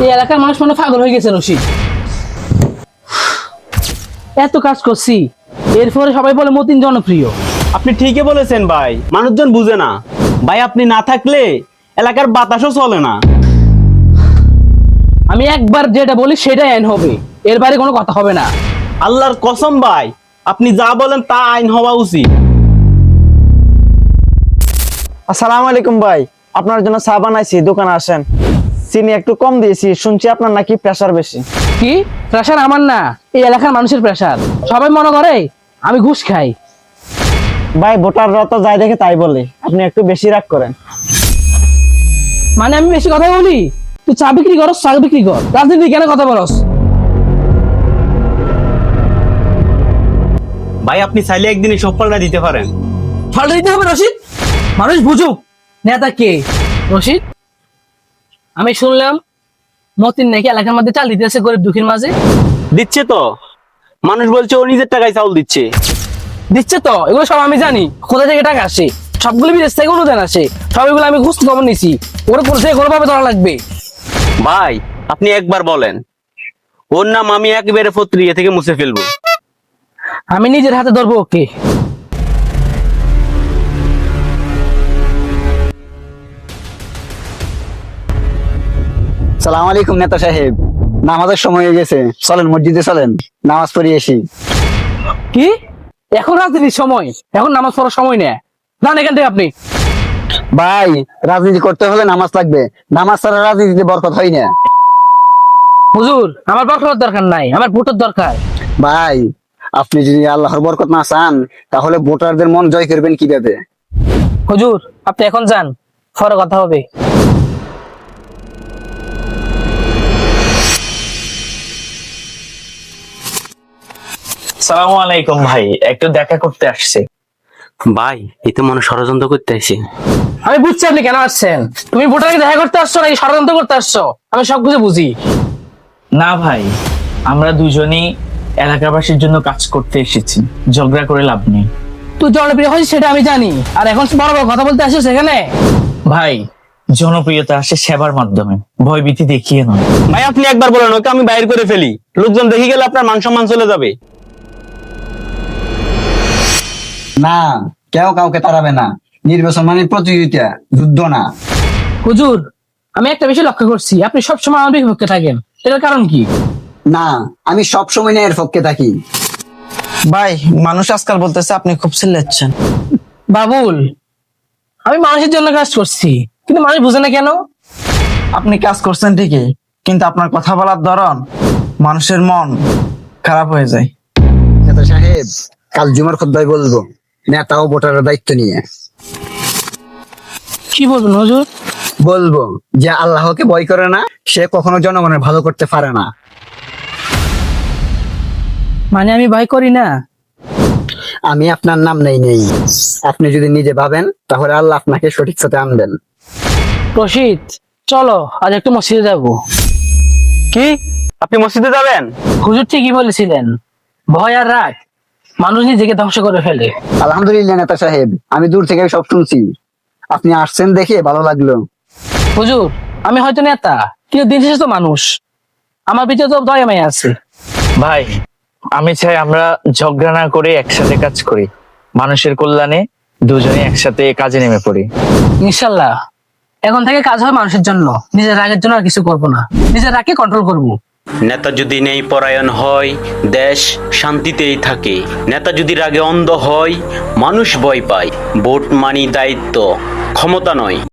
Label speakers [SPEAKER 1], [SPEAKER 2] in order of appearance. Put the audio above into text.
[SPEAKER 1] এই এলাকার মানুষ মনে পাগল হয়ে গেছে রশিদ। এত কাজ করছি, এরপরে সবাই বলে মতিন জনপ্রিয়।
[SPEAKER 2] আপনি ঠিকই বলেছেন ভাই, মানুষজন বুঝে না ভাই। আপনি না থাকলে এলাকার বাতাসও চলে না।
[SPEAKER 1] আমি একবার যেটা বলি সেটাই আইন হবে, এর বাইরে কোনো কথা হবে না।
[SPEAKER 2] আল্লাহর কসম ভাই, আপনি যা বলেন তা আইন হওয়া উচিত।
[SPEAKER 3] আসসালামু আলাইকুম ভাই, আপনার জন্য চা বানাইছি, দোকানে আসেন। চিনি একটু কম দিয়েছি, শুনছি আপনার নাকি প্রেসার বেশি।
[SPEAKER 1] কি প্রেশার? আমার না, এই এলাকার মানুষের প্রেশার। সবাই মনে করে আমি ঘুষ খাই।
[SPEAKER 3] ভাই ভোটাররা তো যাই দেখে তাই বলে, আপনি একটু বেশি রাগ করেন।
[SPEAKER 1] মানে আমি বেশি কথা বলি? তুই চা বিক্রি করস, চা বিক্রি কর, রাজনীতি কেন কথা বলস?
[SPEAKER 2] ভাই আপনি চাইলে একদিনই সব পাল্টা দিতে পারেন।
[SPEAKER 1] ফলটা দিতে হবে রশিদ, মানুষ বুঝুক নেতা কে। রশিদ, আমি শুনলাম মতিন নাকি এলাকার মধ্যে চাল দিতেছে গরিব দুঃখীর মাঝে।
[SPEAKER 2] দিচ্ছে তো, মানুষ বলছে ও নিজের টাকায় চাউল দিচ্ছে।
[SPEAKER 1] দিচ্ছে তো, এগুলো সব আমি জানি। কোথা থেকে টাকা আসে? সবগুলো বিদেশ থেকে অনুদান আসে। সব এগুলো আমি ঘুষ খবর নিছি। ওরা কোন থেকে কোনোভাবে ধরা লাগবে।
[SPEAKER 2] ভাই আপনি একবার বলেন, ওর নাম আমি একেবারে পত্রিকা থেকে মুছে ফেলবো।
[SPEAKER 1] আমি নিজের হাতে ধরবো ওকে।
[SPEAKER 3] সালাম আলাইকুম নেতা সাহেব, নামাজের সময় হয়ে গেছে, চলেন মসজিদে চলেন, নামাজ পড়িয়ে আসি।
[SPEAKER 1] কি এখন রাজনীতির সময়? এখন নামাজ পড়ার সময় নেই, যান এখান থেকে আপনি।
[SPEAKER 3] ভাই রাজনীতি করতে হলে নামাজ লাগবে, নামাজ ছাড়া রাজনীতিতে বরকত হয় না।
[SPEAKER 1] হুজুর, আমার বরকতের দরকার নাই, আমার ভোটের দরকার।
[SPEAKER 3] ভাই আপনি যদি আল্লাহর বরকত না চান, তাহলে ভোটারদের মন জয় করবেন কিভাবে?
[SPEAKER 1] হুজুর আপনি এখন যান, পরে কথা হবে।
[SPEAKER 4] সালামু আলাইকুম ভাই, একটু দেখা করতে আসছে।
[SPEAKER 2] ভাই এই তো মনে হয় ষড়যন্ত্র করতে আসে।
[SPEAKER 1] আমি বুঝছি আপনি কেন আসছেন। তুমি ভোটারকে দেখা করতে আসছো নাকি ষড়যন্ত্র করতে আসছো? আমি সবকিছু বুঝি।
[SPEAKER 4] না ভাই, আমরা দুজনই এলাকাবাসীর জন্য কাজ করতে এসেছি, ঝগড়া করে লাভ নেই।
[SPEAKER 1] তুই জনপ্রিয় হয়েছিস সেটা আমি জানি, আর এখন বড় বড় কথা বলতে আসিস এখানে।
[SPEAKER 4] ভাই জনপ্রিয়তা আসে সেবার মাধ্যমে, ভয়ভীতি দেখিয়ে নয়।
[SPEAKER 2] ভাই আপনি একবার বলেন, ওকে আমি বাইরে করে ফেলি, লোকজন দেখে গেলে আপনার মান সম্মান চলে যাবে।
[SPEAKER 3] না, কেউ কাউকে তাড়াবে না, নির্বাচন মানে প্রতিযোগিতা, যুদ্ধ না।
[SPEAKER 1] হুজুর, আমি একটা বিষয় লক্ষ্য করছি, আপনি সবসময় আমার বিপক্ষে থাকেন, এটার কারণ কি?
[SPEAKER 3] না, আমি সব সময় ন্যায়ের পক্ষে থাকি।
[SPEAKER 5] ভাই মানুষ আজকাল বলতেছে আপনি খুব চিল্লাচ্ছেন।
[SPEAKER 1] বাবুল, আমি মানুষের জন্য কাজ করছি, কিন্তু মানুষ বুঝে না কেন?
[SPEAKER 5] আপনি কাজ করছেন ঠিকই, কিন্তু আপনার কথা বলার ধরন মানুষের মন খারাপ হয়ে যায়।
[SPEAKER 3] নেতা সাহেব, কাল জুমার খুতবায় বলবো নেতা ও ভোটারের দায়িত্ব নিয়ে।
[SPEAKER 1] কি বলবেন হুজুর?
[SPEAKER 3] বলবো যে আল্লাহকে ভয় করে না, সে কখনো জনগণের ভালো করতে পারে না।
[SPEAKER 1] মানে আমি ভয় করি না?
[SPEAKER 3] আমি আপনার নাম নেই, আপনি যদি নিজে ভাবেন তাহলে আল্লাহ আপনাকে সঠিক পথে আনবেন।
[SPEAKER 1] রশিদ, চলো আজ একটু মসজিদে যাবো।
[SPEAKER 2] কি আপনি মসজিদে যাবেন?
[SPEAKER 1] হুজুর ঠিকই বলেছিলেন, ভয় আর রাগ মানুষ নিজেকে ধ্বংস করে ফেলে।
[SPEAKER 3] আলহামদুলিল্লাহ নেতা সাহেব, আমি দূর থেকে সব শুনছি, আপনি আসছেন দেখে ভালো লাগলো।
[SPEAKER 1] হুজুর, আমি হয়তো নেতা, কিন্তু দিন শেষে তো মানুষ, আমার ভিতরে তো দয়া মায়া আছে।
[SPEAKER 4] ভাই আমি চাই আমরা ঝগড়া না করে একসাথে কাজ করি, মানুষের কল্যাণে দুজনে একসাথে কাজে নেমে পড়ি।
[SPEAKER 1] ইনশাল্লাহ এখন থেকে কাজ হয় মানুষের জন্য, নিজের রাগের জন্য আর কিছু করবো না, নিজের রাগকে কন্ট্রোল করবো।
[SPEAKER 2] নেতা যদি নেই পরায়ণ হয়, দেশ শান্তিতেই থাকে। নেতা যদি রাগে অন্ধ হয়, মানুষ ভয় পায়। ভোট মানি দায়িত্ব, ক্ষমতা নয়।